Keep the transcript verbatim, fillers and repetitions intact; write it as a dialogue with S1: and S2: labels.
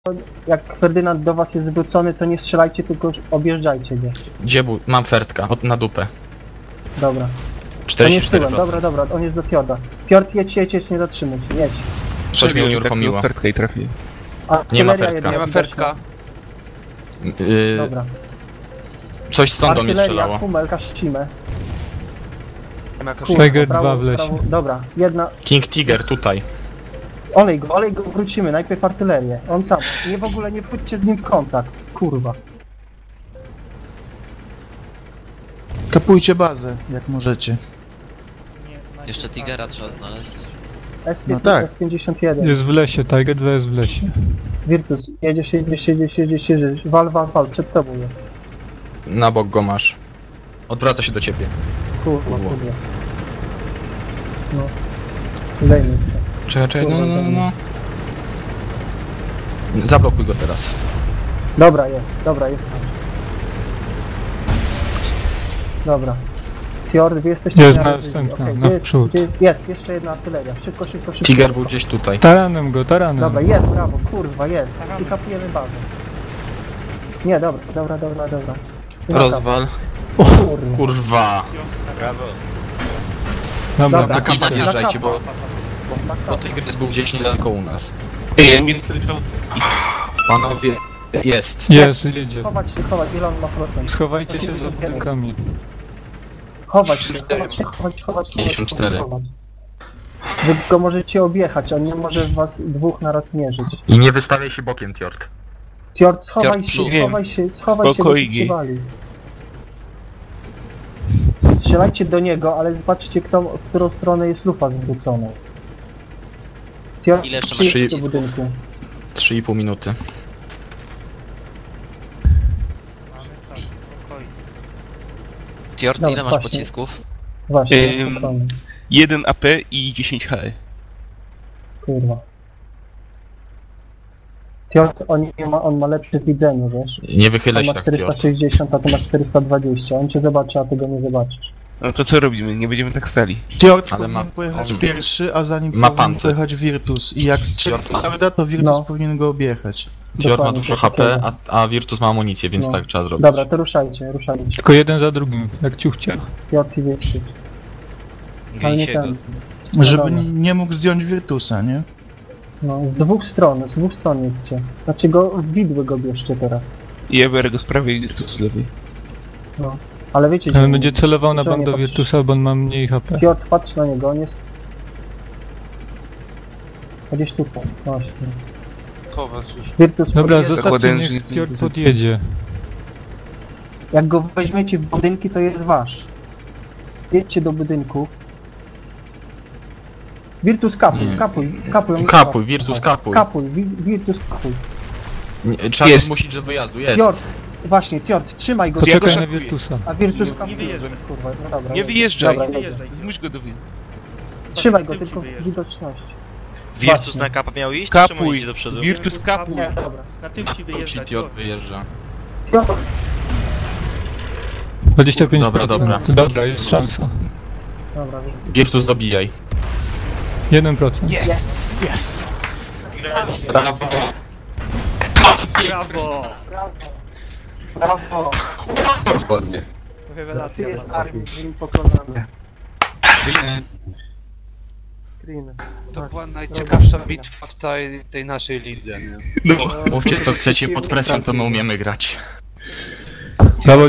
S1: jak Ferdynand do was jest zwrócony, to nie strzelajcie, tylko objeżdżajcie go.
S2: Gdzie był? Mam fertka, od, na dupę.
S1: Dobra. On
S2: czterdzieści
S1: jest
S2: cztery
S1: tyłem,
S2: procent.
S1: dobra, dobra, on jest do Fjorda. Fjord, jedź, jedź, jedź, nie zatrzymuj się, jedź.
S2: Coś mi unieruchomiło.
S3: Fertka i trafię.
S2: Nie ma
S1: Artyleria
S2: fertka.
S1: jedna
S4: Nie ma fertka.
S2: Yy,
S1: Dobra.
S2: coś stąd do mnie
S1: Artyleria,
S2: strzelało.
S1: Humelka, Ścimę.
S4: Nie ma jakaś...
S1: Kurwa,
S5: Tiger
S1: prawo,
S5: dwa w lesie.
S1: prawo- Dobra, jedna.
S2: King Tiger tutaj.
S1: Olej go, olej go, wrócimy, najpierw artylerię. On sam. Nie w ogóle nie wchodźcie z nim w kontakt. Kurwa.
S3: Kapujcie bazę, jak możecie.
S6: Jeszcze Tigera trzeba znaleźć.
S1: S
S3: No tak.
S1: S pięćdziesiąt jeden.
S5: Jest w lesie, Tiger dwa jest w lesie.
S1: Virtus, jedziesz, jedziesz, jedziesz, jedziesz, jedziesz. Wal, wal, wal, przed tobą jest.
S2: Na bok go masz. Odwraca się do ciebie.
S1: Kurwa,
S2: Kurwa.
S1: kurwa. No. Zajmij się.
S2: Czekaj, czekaj, no, no, no. Zablokuj go teraz.
S1: Dobra, jest, dobra, jest. Dobra. Fjord, wy jesteście...
S5: Jest
S1: na-
S5: następna,
S1: okej,
S5: na
S1: jest,
S5: wprzód.
S1: gdzie jest, jest, jeszcze jedna artyleria. Szybko, szybko, szybko.
S2: Tiger był gdzieś tutaj.
S5: Taranem go, taranem.
S1: Dobra, jest, brawo, kurwa, jest. I kapujemy bazę. Nie, dobra, dobra, dobra, dobra.
S2: Rozwal.
S1: Kurwa.
S2: Kurwa.
S6: Brawo.
S5: Dobra,
S1: Dobra.
S2: Na kampa
S5: tak.
S2: wjeżdżajcie, bo,
S1: Na
S2: bo Tiger był gdzieś niedaleko u nas.
S3: Ej, mi zrywał.
S2: Panowie, jest.
S5: Jest, jedzie.
S1: Chować się, chować, ile on ma procent?
S5: Schowajcie się za budynkami.
S1: Chować się, chować się, chować, chować,
S2: pięćdziesiąt cztery.
S1: chować. Wy go możecie objechać, on nie może w was dwóch naraz mierzyć.
S2: I nie wystawiaj się bokiem, Tjord.
S1: Fjord, schowaj
S6: Fjord,
S1: się,
S6: przód.
S1: schowaj się, schowaj się,
S3: Spokojnie.
S1: bo się wali. Strzelajcie do niego, ale zobaczcie, kto, w którą stronę jest lufa zwrócona. Fjord,
S6: Ile jeszcze masz
S1: przyjedź do
S6: pocisków?
S1: budynku.
S2: trzy i pół minuty.
S6: Tjord,
S1: Dobra,
S6: ile masz
S1: właśnie.
S6: pocisków?
S1: Właśnie,
S3: Ym.
S1: spokojnie.
S3: jeden A P i dziesięć H E.
S1: Kurwa. Fjord, on, nie ma, on ma lepsze widzenie, wiesz?
S2: Nie wychylaj
S1: On
S2: się
S1: ma
S2: tak,
S1: czterysta
S2: Tjord.
S1: sześćdziesiąt, a ty masz czterysta dwadzieścia. On cię zobaczy, a ty go nie zobaczysz.
S3: No to co robimy? Nie będziemy tak stali.
S7: Fjord
S2: Ale
S7: powinien
S2: ma-
S7: pojechać
S2: on-
S7: pierwszy, a za nim
S2: ma
S7: powinien
S2: pancerz.
S7: pojechać Virtus. I jak strzeli Fjorda, to Virtus
S1: No.
S7: powinien go objechać.
S2: Tjord ma
S1: Dokładnie,
S2: dużo
S1: coś
S2: H P,
S1: takiego.
S2: a, a Virtus ma amunicję, więc
S1: No.
S2: tak trzeba zrobić.
S1: Dobra, to ruszajcie, ruszajcie.
S5: Tylko jeden za drugim, jak ciuchcia.
S1: Fjord i Virtus. Ale nie ten.
S7: Żeby
S1: Wiadomo.
S7: n- nie mógł zdjąć Virtusa, nie?
S1: No, z dwóch stron, z dwóch stron jedźcie. Znaczy go, w widły go bierzcie teraz.
S3: I ja biorę go z prawej i Virtus z lewej.
S1: No. Ale wiecie,
S5: Ale będzie celował na
S1: że nie
S5: bank do
S1: patrzy-
S5: Virtusa, bo on ma mniej H P.
S1: Fjord, patrz na niego, on jest... Gdzieś tutaj, właśnie. Virtus
S5: Dobra,
S1: podjeżdża.
S5: zostawcie,
S3: Zakładając,
S5: niech
S3: że nic nie
S5: Fjord
S3: pozycji.
S5: podjedzie.
S1: Jak go weźmiecie w budynki, to jest wasz. Jedźcie do budynku. Virtus kapuj,
S2: Nie.
S1: kapuj, kapuj. on-
S2: Kapuj, Virtus kapuj.
S1: Kapuj, Wi- Virtus kapuj.
S2: Nie, trzeba
S3: Jest.
S2: zmusić do wyjazdu, jest.
S1: Fjord, właśnie, Fjord, trzymaj go.
S3: Co ja go
S5: Poczekaj na
S3: szakuję.
S5: Virtusa.
S1: A Virtus
S4: Nie
S1: kapuj.
S4: wyjeżdżaj.
S1: Kurwa, no dobra.
S3: Nie
S1: dobra.
S3: wyjeżdżaj!
S1: Dobra,
S4: Nie
S1: dobra.
S4: wyjeżdżaj.
S3: Zmuś go do wy.
S1: Trzymaj go,
S4: Tył ci
S1: tylko
S4: wyjeżdża.
S1: widoczność.
S6: Virtus
S1: Właśnie.
S6: na kapa miał iść? Czemu
S3: Kapuj!
S6: idzie do przodu?
S3: Virtus kapuj!
S1: Nie, dobra.
S4: Na tył ci
S2: Ci
S4: wyjeżdżać.
S2: Tjord wyjeżdża.
S1: Fjord,
S5: dwadzieścia pięć procent.
S2: Dobra, dobra.
S5: Dobra, jest szansa.
S1: dobra.
S2: Virtus zabijaj.
S5: jeden procent.
S2: Brawo.
S4: Brawo!
S1: Brawo.
S2: Dokładnie.
S1: Ty
S4: Rewelacja.
S1: jest
S4: panowie.
S1: armii, ziemi pokonany. Screen.
S8: To była najciekawsza bitwa w całej tej naszej lidze, nie?
S3: No.
S2: Mówcie co chcecie, pod presją to my umiemy grać.
S5: Brawo.